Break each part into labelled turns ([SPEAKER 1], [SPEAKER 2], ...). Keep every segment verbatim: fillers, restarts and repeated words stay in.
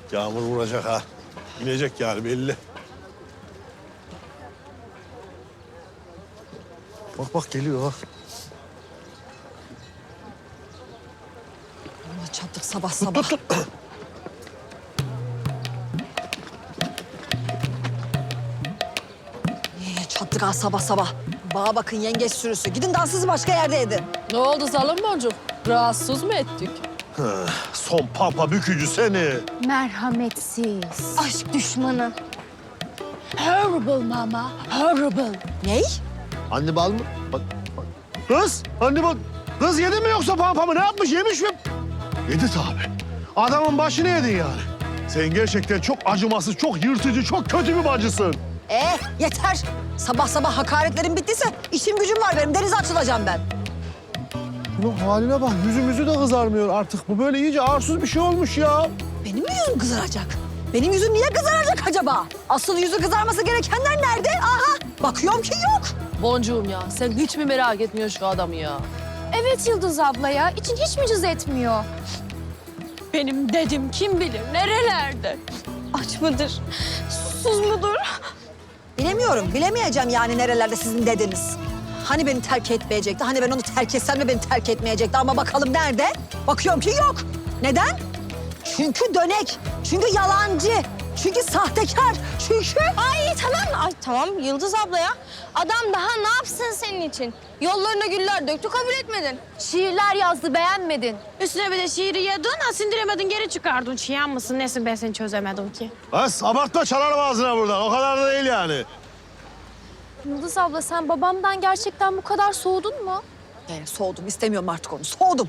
[SPEAKER 1] Yağmur vuracak ha. İnecek yani belli. Bak bak geliyor ha.
[SPEAKER 2] Allah çattık sabah sabah. Niye çattık ha sabah sabah? Bana bakın yengeç sürüsü. Gidin dansınızı başka yerde edin.
[SPEAKER 3] Ne oldu Zalım Boncuk? Rahatsız mı ettik?
[SPEAKER 1] Son pampa bükücü seni.
[SPEAKER 4] Merhametsiz. Aşk düşmanı.
[SPEAKER 3] Horrible mama, horrible.
[SPEAKER 2] Ney?
[SPEAKER 1] Hannibal mı? Bak, bak. Kız, Hannibal. Kız yedin mi yoksa pampamı? Ne yapmış, yemiş mi? Yedi tabii. Adamın başını yedin yani. Sen gerçekten çok acımasız, çok yırtıcı, çok kötü bir bacısın.
[SPEAKER 2] Ee yeter. Sabah sabah hakaretlerim bittiyse işim gücüm var benim. Denize açılacağım ben.
[SPEAKER 1] Bunun haline bak, yüzümüzü de kızarmıyor artık. Bu böyle iyice arsuz bir şey olmuş ya.
[SPEAKER 2] Benim mi yüzüm kızaracak? Benim yüzüm niye kızaracak acaba? Asıl yüzü kızarması gerekenler nerede? Aha bakıyorum ki yok.
[SPEAKER 3] Boncuğum ya, sen hiç mi merak etmiyorsun şu adamı ya?
[SPEAKER 4] Evet Yıldız abla ya. İçin hiç mi cız etmiyor?
[SPEAKER 3] Benim dedim kim bilir nerelerde?
[SPEAKER 4] Aç mıdır? Susuz mudur?
[SPEAKER 2] Bilemiyorum, bilemeyeceğim yani nerelerde sizin dediniz. Hani beni terk etmeyecekti, hani ben onu terk etsem de beni terk etmeyecekti ama bakalım nerede? Bakıyorum ki yok. Neden? Çünkü dönek, çünkü yalancı, çünkü sahtekar, çünkü...
[SPEAKER 5] Ay tamam, ay tamam Yıldız abla ya. Adam daha ne yapsın senin için? Yollarına güller döktü, kabul etmedin.
[SPEAKER 4] Şiirler yazdı beğenmedin.
[SPEAKER 6] Üstüne bir de şiiri yedin, ha sindiremedin, geri çıkardın. Çiyan mısın, nesin ben seni çözemedim ki.
[SPEAKER 1] Bas, abartma çalarım ağzına buradan. O kadar da değil yani.
[SPEAKER 4] Yıldız abla sen babamdan gerçekten bu kadar soğudun mu?
[SPEAKER 2] Ee, soğudum, istemiyorum artık onu, soğudum.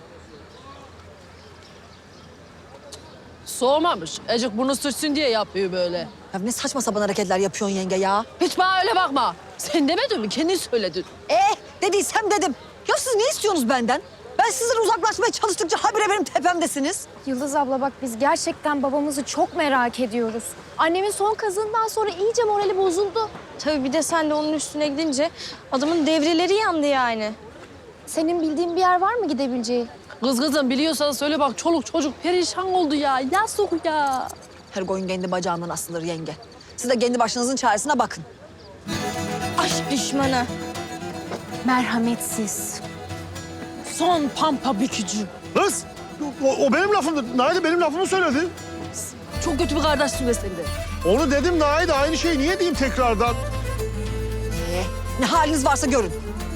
[SPEAKER 3] Soğumamış. Ecik bunu sürtsün diye yapıyor böyle.
[SPEAKER 2] Ya ne saçma sapan hareketler yapıyorsun yenge ya.
[SPEAKER 3] Hiç bana öyle bakma. Sen demedin mi? Kendin söyledin.
[SPEAKER 2] Eh, dediysem dedim. Ya siz ne istiyorsunuz benden? Ben sizden uzaklaşmaya çalıştıkça habire benim tepemdesiniz.
[SPEAKER 4] Yıldız abla bak biz gerçekten babamızı çok merak ediyoruz. Annemin son kazığından sonra iyice morali bozuldu.
[SPEAKER 5] Tabii bir de sen de onun üstüne gidince adamın devreleri yandı yani.
[SPEAKER 4] Senin bildiğin bir yer var mı gidebileceği?
[SPEAKER 3] Kız kızım biliyorsan söyle bak çoluk çocuk perişan oldu ya. Yazık ya.
[SPEAKER 2] Her koyun kendi bacağından asılır yenge. Siz de kendi başınızın çaresine bakın.
[SPEAKER 5] Aşk düşmanı.
[SPEAKER 4] Merhametsiz.
[SPEAKER 3] Son pampa bükücü.
[SPEAKER 1] Kız, o, o benim lafımdı. Naide benim lafımı söyledi.
[SPEAKER 3] Çok kötü bir kardeşsin be sen de.
[SPEAKER 1] Onu dedim Naide, aynı şeyi niye diyeyim tekrardan?
[SPEAKER 2] Ee, ne haliniz varsa görün.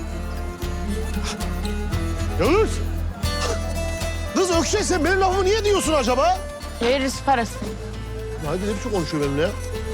[SPEAKER 1] Yavuz! Kız Ökşe, sen benim lafımı niye diyorsun acaba?
[SPEAKER 6] Veririz parası.
[SPEAKER 1] Naide ne biçim konuşuyor benimle ya?